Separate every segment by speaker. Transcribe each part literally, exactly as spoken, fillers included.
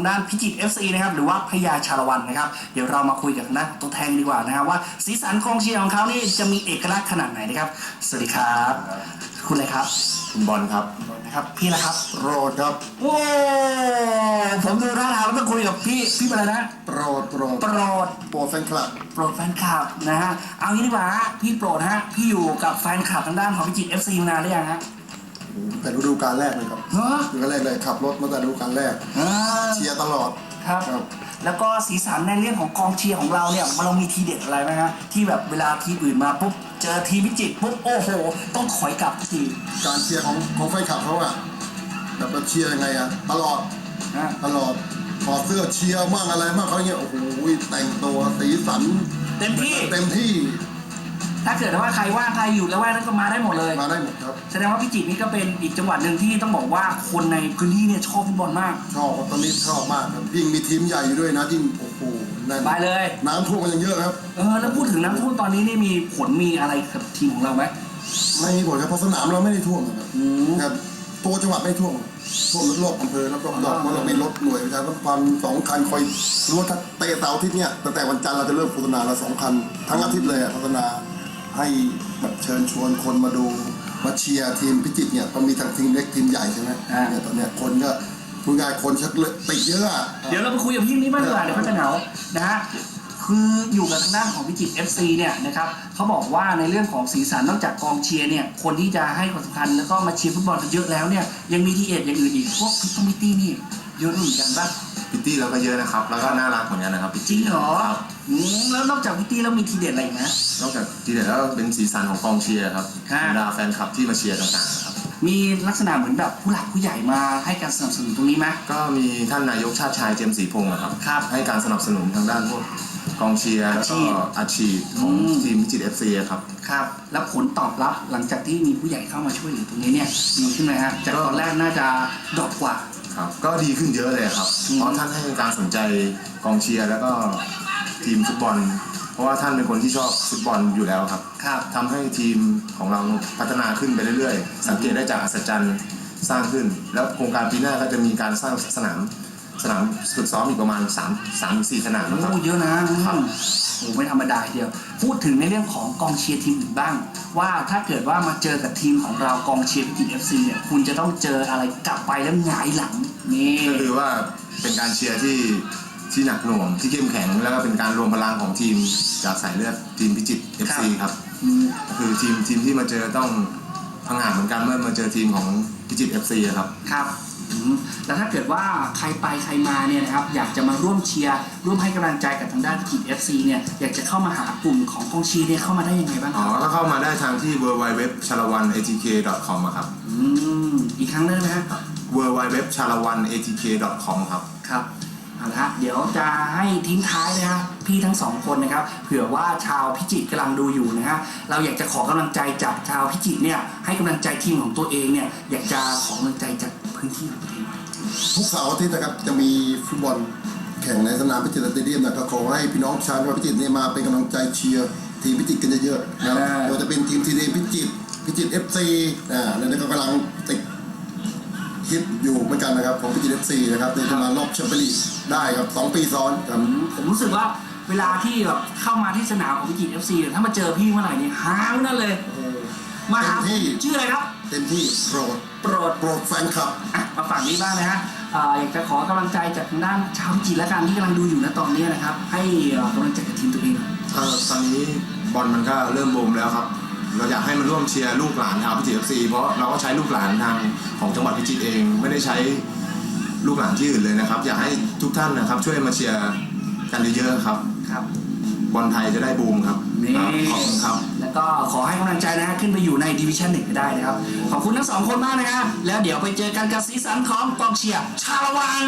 Speaker 1: างด้านพิจิตร เอฟ ซี นะครับหรือว่าพญาชาละวันนะครับเดี๋ยวเรามาคุยกับทางด้านตัวแทนดีกว่านะครับว่าสีสันกองเชียร์ของเขานี่จะมีเอกลักษณ์ขนาดไหนนะครับสวัสดีครับคุณอะไรครับ
Speaker 2: คุณบอลครับ
Speaker 1: นะครับพี่ละครับ
Speaker 2: โปรดครับ
Speaker 1: โอ้ผมดูท่าทางแล้วต้องคุยกับพี่พี่อะไรนะ
Speaker 2: โปรดโปรด
Speaker 1: โปรด
Speaker 2: โปรดแฟนคลับ
Speaker 1: โปรดแฟนคลับนะฮะเอางี้ดีกว่าฮะพี่โปรดฮะพี่อยู่กับแฟนคลับทางด้านของพิจิตร เอฟ ซี มานานหรือยังฮะ
Speaker 2: แต่ฤดูกาลแรกเลยครับฤดูกาลแรกเลยขับรถมาแต่ฤดูกาลแรกเชียร์ตลอด
Speaker 1: ครับแล้วก็สีสันในเรื่องของกองเชียร์ของเราเนี่ยเรามีทีเด็ดอะไรไหมฮะที่แบบเวลาทีมอื่นมาปุ๊บเจอทีมพิจิตรปุ๊บโอ้โหต้องถอยกลับที
Speaker 2: การเชียร์ของของแฟนคลับเขาอะแบบเชียร์ยังไงอะตลอดตลอดถอดเสื้อเชียร์มากอะไรมากเขาเนี่ยโอ้โหแต่งตัวสีสัน
Speaker 1: เต็มที่
Speaker 2: เต็มที่
Speaker 1: ถ้าเกิดว่าใครว่างใครอยู่แล้วว่างนั้นก็มาได้หมดเลย
Speaker 2: มาได้หมดครับ
Speaker 1: แสดงว่าพิจิตรนี่ก็เป็นอีกจังหวัดหนึ่งที่ต้องบอกว่าคนในพื้นที่เนี่ยชอบฟุตบอลมาก
Speaker 2: ชอบตอนนี้ชอบมากครับยิ่งมีทีมใหญ่อยู่ด้วยนะยิ่งโอ้โหนั่น
Speaker 1: ไปเลย
Speaker 2: น้ำท่วมกันยังเยอะครับ
Speaker 1: เออแล้วพูดถึงน้ำท่วมตอนนี้นี่มีผลมีอะไรกับทีมของเราไหม
Speaker 2: ไม่มีผลครับเพราะสนามเราไม่ได้ท่วมนะครับครับตัวจังหวัดไม่ท่วมท่วมรอบอำเภอแล้วก็รอบเพราะเรามีรถหน่วยประชาสัมพันธ์สองคันคอยรู้ว่าถ้าเตะเสาร์อาทิตย์เนี่ยตั้งแต่วันจันทร์เราจะเริ่มโฆษณาเราสองคันทั้งอาทิตย์เลยโฆษณาให้แบบเชิญชวนคนมาดูมาเชียร์ทีมพิจิตรเนี่ยมันมีทั้งทีมเล็กทีมใหญ่ใช่ไหมเนี่ยตอนเนี้ยคนก็ผู้งานคนชักติดเยอะ
Speaker 1: เดี๋ยวเราไปคุยกับพี่นี้บ้างดีกว่าเดี๋ยวเขาจะเหงานะฮะคืออยู่กับทางด้านของพิจิตร เอฟ ซี เนี่ยนะครับเขาบอกว่าในเรื่องของสีสันนอกจากกองเชียร์เนี่ยคนที่จะให้ความสำคัญแล้วก็มาเชียร์ฟุตบอลกันเยอะแล้วเนี่ยยังมีทีเอ็ดอย่างอื่นอีกพวกพิทมิตี้นี่เยอะเหมือนกันป่ะ
Speaker 3: พิตตี้เราก็เยอะนะครับแล้วก็น่ารักเหมือนกันนะครับ
Speaker 1: จริงเหรอแล้วนอกจากพิตตี้แล้วมีทีเด็ดอะไรอีกไหม
Speaker 3: นอกจากทีเด็ดแล้วเป็นสีสันของกองเชียร์ครับบรรดาแฟนคลับที่มาเชียร์ต่างๆครับ
Speaker 1: มีลักษณะเหมือนแบบผู้หลักผู้ใหญ่มาให้การสนับสนุนตรงนี้ไหม
Speaker 3: ก็มีท่านนายกชาติชายเจมส์ศรีพงศ์ครับให้การสนับสนุนทางด้านพวกกองเชียร์แล้วก็อาชีพของทีมพิจิตร เอฟ ซี ครับ
Speaker 1: ครับแล้วผลตอบรับหลังจากที่มีผู้ใหญ่เข้ามาช่วยเหลือตรงนี้เนี่ยดีขึ้นไหมฮะจากตอนแรกน่าจะดรอปกว่า
Speaker 3: ครับก็ดีขึ้นเยอะเลยครับเพราะท่านให้การสนใจกองเชียร์แล้วก็ทีมฟุตบอลเพราะว่าท่านเป็นคนที่ชอบฟุตบอลอยู่แล้วครับ
Speaker 1: ครับ
Speaker 3: ทำให้ทีมของเราพัฒนาขึ้นไปเรื่อยๆสังเกตได้จากอัศจรรย์สร้างขึ้นแล้วโครงการปีหน้าก็จะมีการสร้างสนามสนามฝึกซ้อมอีกประมาณสาม สามถึงสี่สนามนะครับ
Speaker 1: โอ้เยอะนะครับโอ้ไม่ธรรมดาเดียวพูดถึงในเรื่องของกองเชียร์ทีมอื่นบ้างว่าถ้าเกิดว่ามาเจอกับทีมของเรากองเชียร์พิจิตร เอฟ ซี เนี่ยคุณจะต้องเจออะไรกลับไปแล้วหงายหลังนี่
Speaker 3: ก็คือว่าเป็นการเชียร์ที่ที่หนักหน่วงที่เข้มแข็งแล้วก็เป็นการรวมพลังของทีมจากสายเลือดทีมพิจิตร เอฟ ซี ครับก็คือทีมทีมที่มาเจอต้องพังหาเหมือนกันเมื่อมาเจอทีมของพิจิตร เอฟ ซี ครับ
Speaker 1: ครับแล้วถ้าเกิดว่าใครไปใครมาเนี่ยนะครับอยากจะมาร่วมเชียร์ร่วมให้กำลังใจกับทางด้านพิจิตร เอฟ ซี เนี่ยอยากจะเข้ามาหากลุ่มของกองเชียร์เนี่ยเข้ามาได้ยังไงบ้าง
Speaker 3: อ๋อก็เข้ามาได้ทางที่ ดับเบิลยู ดับเบิลยู ดับเบิลยู ดอท ชาละวัน เอ ที เค ดอท คอม ครับ
Speaker 1: อืมอีกครั้งได้ไหมครับ
Speaker 3: ดับเบิลยู ดับเบิลยู ดับเบิลยู ดอท ชาละวัน เอ ที เค ดอท คอม ครับ
Speaker 1: ครับเอาละฮะเดี๋ยวจะให้ทิ้งท้ายนะครับพี่ทั้งสองคนนะครับเผื่อว่าชาวพิจิตรกำลังดูอยู่นะฮะเราอยากจะขอกำลังใจจากชาวพิจิตรเนี่ยให้กำลังใจทีมของตัวเองเนี่ยอยากจะขอกำลังใจจากพื้นที่ของตัวเอง
Speaker 2: ทุกเสาร์อาทิตย์นะครับจะมีฟุตบอลแข่งในสนามพิจิตรสเตเดียมนะครับขอให้พี่น้องชาวพิจิตรเนี่ยมาเป็นกำลังใจเชียร์ทีมพิจิตรกันเยอะๆนะครับเราจะเป็นทีมทีเดพิจิตรพิจิตร เอฟ ซี อ่าแล้วก็กำลังติดคิดอยู่เหมือนกันนะครับของพิจิตร เอฟ ซี นะครับในจะมารอบแชมเปี้ยนลีกได้ครับสองปีซ้อนครับ
Speaker 1: ผมรู้สึกว่าเวลาที่แบบเข้ามาที่สนามของพิจิตร เอฟ ซี ถ้ามาเจอพี่เมื่อไหร่นี่หาวนั่นเลยมาหาชื่ออะไรครับ
Speaker 2: เต็มที่โปรด
Speaker 1: โปรด
Speaker 2: โปรดแฟนคลับ
Speaker 1: มาฝั่งนี้บ้างนะฮะอยากจะขอกำลังใจจากทางด้านชาวพิจิตรและกันที่กำลังดูอยู่ณตอนนี้นะครับให้กำลังใจกับทีมตัวเอง
Speaker 3: ตอนนี้บอลมันก็เริ่มบูมแล้วครับเราอยากให้มันร่วมเชียร์ลูกหลานชาวพิจิตร เอฟ ซี เพราะเราก็ใช้ลูกหลานทางของจังหวัดพิจิตรเองไม่ได้ใช้ลูกหลานที่อื่นเลยนะครับอยากให้ทุกท่านนะครับช่วยมาเชียร์กันเยอะๆครับ
Speaker 1: ครับ
Speaker 3: บอลไทยจะได้บูมครับ
Speaker 1: ขอบคุณครับแล้วก็ขอให้กำลังใจนะขึ้นไปอยู่ในดิวิชั่นหนึ่งก็ได้นะครับขอบคุณทั้งสองคนมากนะครับแล้วเดี๋ยวไปเจอกันกับสีสันของกองเชียร์ชาละวัน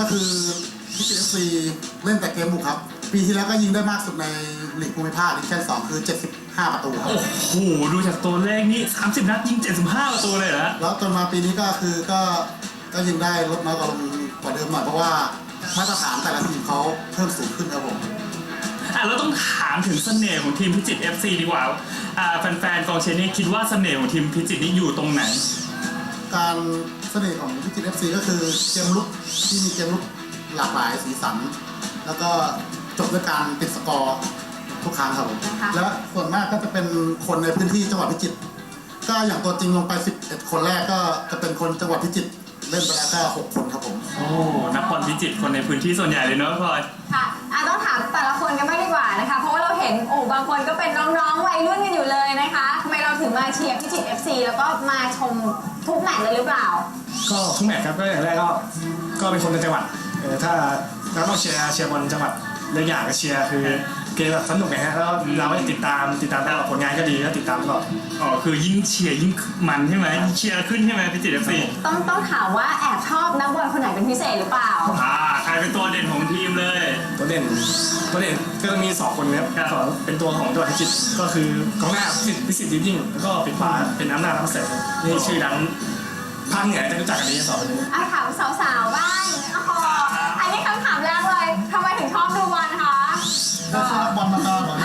Speaker 2: คือพิจิตร เอฟ ซี เล่นแต่เกมบุกครับ ปีที่แล้วก็ยิงได้มากสุดในลีกภูมิภาคดิวิชั่นสองคือเจ็ดสิบห้าประตูครับ
Speaker 4: โอ้โหดูจากตัวเลขนี่สามสิบนัดยิงเจ็ดสิบห้าประตูเลยเหรอ
Speaker 2: แล้วจนมาปีนี้ก็คือก็ก็ยิงได้ลดน้อยกว่าลงกว่าเดิมหน่อยเพราะว่ามาตรฐานแต่ละทีมเขาเพิ่มสูงขึ้นครับผม
Speaker 4: อ่ะเราต้องถามถึงเสน่ห์ของทีมพิจิตร เอฟ ซี ดีกว่าอ่าแฟนๆกองเชียร์นี่คิดว่าเสน่ห์ของทีมพิจิตรนี่อยู่ตรงไหน
Speaker 2: การเสน่ห์ของพิจิตร เอฟ ซี ก็คือเกมลุกที่มีเกมลุกหลากหลายสีสัน แล้วก็จบด้วยการติดสกอร์ทุกครั้งครับผม
Speaker 5: นะคะ
Speaker 2: และส่วนมากก็จะเป็นคนในพื้นที่จังหวัดพิจิตรก็อย่างตัวจริงลงไปสิบเอ็ดคนแรกก็จะเป็นคนจังหวัดพิจิตรเล่นไปแล้วก็หกคนครับผม
Speaker 4: โอ้นักบอลพิจิตรคนในพื้นที่ส่วนใหญ่เลยเนอะพลอย
Speaker 5: ค่ะอ่ะต้องถามแต่ละคนกันบ้างดีกว่านะคะ เพราะว่าเราเห็นโอ้บางคนก็เป็นน้องๆวัยรุ่นกันอยู่เลยนะคะทำไมเราถึงมาเชียร์พิจิตร เอฟ ซี แล้วก็มาชมทุกแมตช์เลยหรือเปล่า
Speaker 6: ก็ทุกแมตช์ครับก็อย่างแรกก็ก็เป็นคนในจังหวัดเออถ้าเราต้องเชียร์เชียร์บอลจังหวัดเรื่องอย่างก็เชียร์คือเกมแบบสนุกไงฮะแล้วเราก็ติดตามติดตามตลอดผลงานก็ดีก็ติดตามตลอด
Speaker 4: อ๋อคือยิ่งเชียร์ยิ่งมันใช่ไหมยิ่งเชียร์ขึ้นใช่ไหมพิจิตร เอฟ ซี
Speaker 5: ต้องต้องถามว่าแอบชอบนักบอลคนไหนเป็นพิเศษหรือเปล่า
Speaker 4: อ่าใครเป็นตัวเด่นของทีมเลย
Speaker 6: ตัวเด่นตัวเด่นก็จะมีสองคนนะครับ
Speaker 4: ครับ
Speaker 6: สองเป็นตัวของจังหวัดพิจิตรก็คือกองหน้าพิสิทธิ์พิสิทธิ์ยิ่งแล้วก็ปิดขวาเป็นน้ำหน้าน้ำเสร็จนี่ชื่อดังภาคเหนือจะรู้จักกันดีสองคนนี้
Speaker 5: อ่ะถามสาวๆบ้างโอ้โหอันนี้คำถามแรกเลยทำไมถึงชอบดูบอลคะ
Speaker 2: ก็คือบอลมาตลอด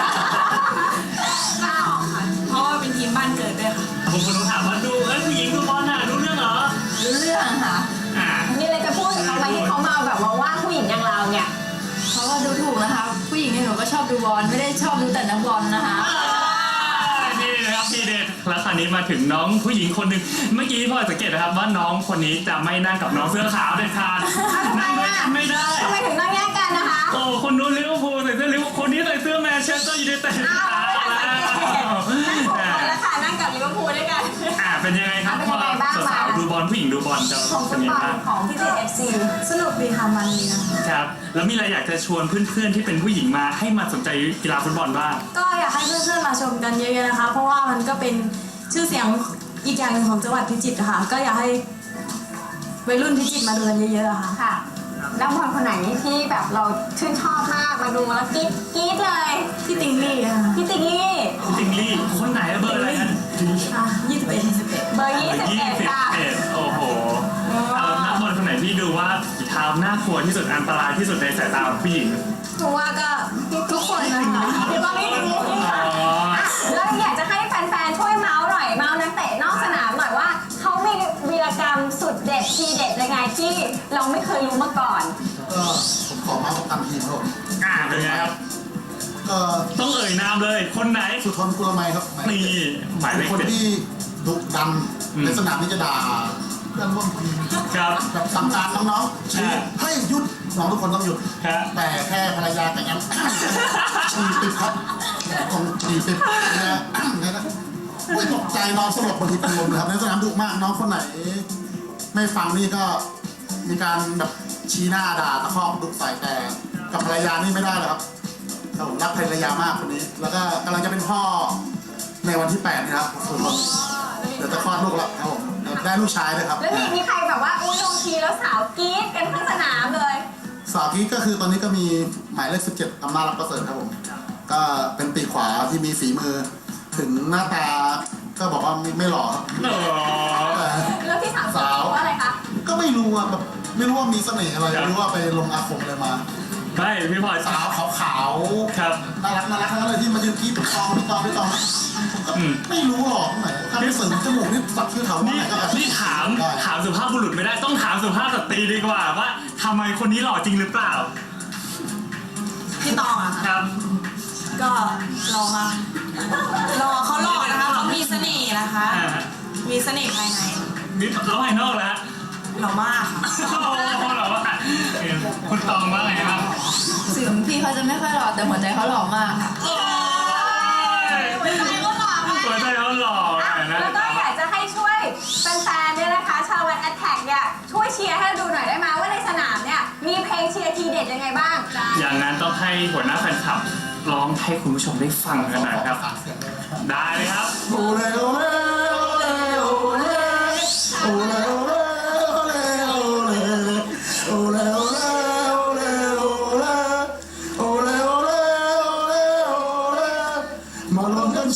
Speaker 5: อ้าว
Speaker 7: เพราะว่าเป็นทีมบ้านเกิดด้วยค่ะ
Speaker 4: ผมคนต้องถามว่าดูเอ้ยผู้หญิงดูบอลน่ะรู้เรื่องเหรอ
Speaker 7: รู้เรื่องค่ะ
Speaker 4: อ่า
Speaker 5: มีอะไรจะพูดกับเขาไหมที่เขามาแบบว่าว่าผู้หญิงอย่างเราเนี่ย
Speaker 7: เพราะว่าดูถูกนะคะ ผู้หญิงเนี่ยหนูก็ชอบดูบอลไม่ได้ชอบดูแต่นักบอลนะคะ
Speaker 4: นี่นะครับพี่เดชแล้วคราวนี้มาถึงน้องผู้หญิงคนหนึ่งเมื่อกี้พลอยสังเกตนะครับว่าน้องคนนี้จะไม่นั่งกับน้องเสื้อขาวเด็ดขาด
Speaker 5: ทำไม
Speaker 4: นั่งด้วย
Speaker 5: อ่ะ
Speaker 4: กันไม่ได้
Speaker 5: ทำไมถึงต้องแยกกันนะคะ
Speaker 4: โอ้คนนู้นลิเวอร์พูลใส่เสื้อลิเวอร์พูลคนนี้ใส่เสื้อแมนเชสเตอร์ยูไนเต็ด
Speaker 5: อ้าวไม่ทันสังเกตนั่งหกคนแล้วค่ะนั่งกับลิเวอร์พูลด้วยกัน
Speaker 4: อ่าเป็นยังไงครับ
Speaker 5: เป็น
Speaker 4: พ
Speaker 5: ยั
Speaker 4: อง
Speaker 5: ไงบ้าง
Speaker 4: สาว
Speaker 5: มา
Speaker 4: ๆดูบอลผู้หญิงดูบอลจะ
Speaker 5: ของ
Speaker 4: เป็
Speaker 5: ฟุ
Speaker 4: น
Speaker 5: ต
Speaker 4: ยัง
Speaker 5: บ
Speaker 4: ไง
Speaker 5: อล
Speaker 4: บ้าง
Speaker 5: ของพิจิตร เอฟ ซี
Speaker 7: สนุกดีค่ะมันดีนะคะ
Speaker 4: ครับแล้วมีอะไรอยากจะชวนเพื่อนๆที่เป็นผู้หญิงมาให้มาสนใจกีฬาฟุตบอลบ้าง
Speaker 7: ก็อยากให้เพื่อนๆมาชมกันเยอะๆนะคะ เพราะว่ามันก็เป็นชื่อเสียงอีกอย่างหนึ่งของจังหวัดพิจิตรค่ะ ก็อยากให้วัยรุ่นพิจิตรมาดูกันเยอะๆอะค่ะ
Speaker 5: ค่ะนักบอลคนไหนที่แบบเราชื่นชอบมากมาดูแล้วกรี๊ดกรี๊ดเลย
Speaker 7: ที่ติงลี่ค่ะ
Speaker 5: พี่ติ๊กลี่
Speaker 4: คุณติงลี่คนไหนเบอร์อะไรฮะ
Speaker 7: อ่ะยี่สิบเอ็ดยี่สิบเอ็ด
Speaker 5: เบอร์ยี่สิบ
Speaker 4: ยี่
Speaker 5: เอ็ด
Speaker 4: สิบ
Speaker 5: ค่ะ
Speaker 4: เอ็ดโอ้โหเอานักบอลคนไหนที่ดูว่าฝีเท้าน่ากลัวที่สุดอันตรายที่สุดในสายตาของผู้หญิง
Speaker 7: เพราะว่าก็ทุกคนนะคะ
Speaker 5: เดี๋ยวตอนนี้ติ๊กลี่
Speaker 4: อ๋อ
Speaker 5: อ่ะแล้วอยากจะให้แฟนๆช่วยเมาส์หน่อยเมาส์นักเตะนอกสนามหน่อยว่าเขามีวีรกรรมสุดเด็ดทีเด็ดยังไงที่เราไม่เคยรู้มาก่อน
Speaker 2: ก็ผมขอมาประกันทีมครับผม
Speaker 4: อ่าเป็นไงครับ
Speaker 2: ก็
Speaker 4: ต้องเอ่ยนามเลยคนไหน
Speaker 2: สุทนกุลไมยครับ
Speaker 4: นี่หมายเล
Speaker 2: เป็น
Speaker 4: ข
Speaker 2: คน
Speaker 4: เจ็ด
Speaker 2: ที่ดุดัน
Speaker 4: อืม
Speaker 2: ในสนามนี่จะด่าเพื่อนร่วมทีม
Speaker 4: ครับ
Speaker 2: แบบสั่งการน้องๆชี้
Speaker 4: อ่า
Speaker 2: ให้หยุดน้องทุกคนต้องหยุด
Speaker 4: ครับ
Speaker 2: แต่แค่ภรรยาแต่งงาน ชีติดครับตรงชีติดเนี่ยเนี่ยนะไม่ตกใจนอนสลบบนทีเป็นลมเลยครับในสนามดุมากน้องคนไหน ไม่ฟังนี่ก็มีการแบบชี้หน้าด่าตะคอกดุใส่แต่กับภรรยานี่ไม่ได้เลยครับครับผมรักภรรยามากคนนี้ แล้วก็กำลังจะเป็นพ่อในวันที่แปดนี่ครับส่วนผมเดี๋ยวจะคลอดลูกแล้วครับผมเดี๋ยวได้ลูกชายด้วยครับ
Speaker 5: แล้วมีมีใครแบบว่าอุ้ยลงทีแล้วสาวกรี๊ดกันทั้งสนามเลย
Speaker 2: สาวกี้ก็คือตอนนี้ก็มีหมายเลขสิบเจ็ดอำนาจรับประเสริฐครับผม ก็เป็นปีกขวาที่มีฝีมือ ถึงหน้าตาก็บอกว่าไม่ไม่หล่อครับ
Speaker 4: โอ้
Speaker 2: แต่
Speaker 5: แล้วที่สาม
Speaker 2: สาว
Speaker 5: ว่าอะไรคะ
Speaker 2: ก็ไม่รู้อะแบบไม่รู้ว่ามีเสน่ห์อะไรไม่รู้ว่าไปลงอาคมอะไรมา
Speaker 4: ไม่พี่พลอย
Speaker 2: สาวขาว
Speaker 4: ครับ
Speaker 2: ๆน่ารักน่ารักทั้งนั้นเลยที่มายืนกรีดพี่ตองพี่ตองพี่ตองผมก็
Speaker 4: อืม
Speaker 2: ไม่รู้หรอกไหนถ้าไม่เสริมจมูกนี่สักชื่อเขาว่า
Speaker 4: นี่
Speaker 2: ไหนก็แอบ
Speaker 4: นี่ถาม
Speaker 2: ได้
Speaker 4: ถามสุภาพบุรุษไม่ได้ต้องถามสุภาพสตรีดีกว่าว่าทำไมคนนี้หล่อจริงหรือเปล่า
Speaker 7: พี่ตองอะ
Speaker 4: ค
Speaker 7: ค่ะ
Speaker 4: รับ
Speaker 7: ก็รอค่ะรอเขาหล่อนะคะเขามีเสน่ห์นะคะ
Speaker 4: อ่า
Speaker 7: มีเสน่ห์ภายใน
Speaker 4: นี่แล้วภายนอกแล้ว
Speaker 7: หล่อมากค่ะ
Speaker 4: โอ้โหหล่อว่าเอ่อคุณตองว่าไงครับ
Speaker 7: ถึงพี่เขาจะไม่ค่อยหล่อแต่หัวใจเขาหล่อมากค่ะ
Speaker 4: โอ้ย
Speaker 5: หัวใจก็หล่อมาก
Speaker 4: หัวใจเขาหล่อ
Speaker 5: อ่ะ
Speaker 4: อ่ะนะ
Speaker 5: แล้วก็อยากจะให้ช่วยแฟนๆเนี่ยนะคะชาววันแอตแทกเนี่ยช่วยเชียร์ให้เราดูหน่อยได้ไหมว่าในสนามเนี่ยมีเพลงเชียร์ทีเด็ดยังไงบ้าง
Speaker 4: อย่างนั้นต้องให้หัวหน้าแฟนคลับร้องให้คุณผู้ชมได้ฟังกันหน่อยครับ ได้เลยครับ
Speaker 2: โอเลโอเลโอเลโอเลโอเลโอเลโอเลโอเลโอเลโอ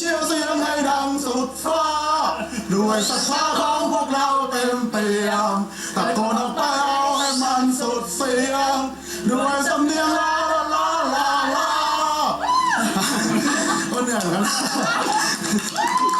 Speaker 2: ชียร์เสียงให้ดังสุดฟ้าด้วยศรัทธาของพวกเราเต็มเปี่ยมตะโกนออกไปเอาให้มันสุดเสียงด้วยสำเนียงลาลาลาลาลาก็เหนื่อยเหมือนกัน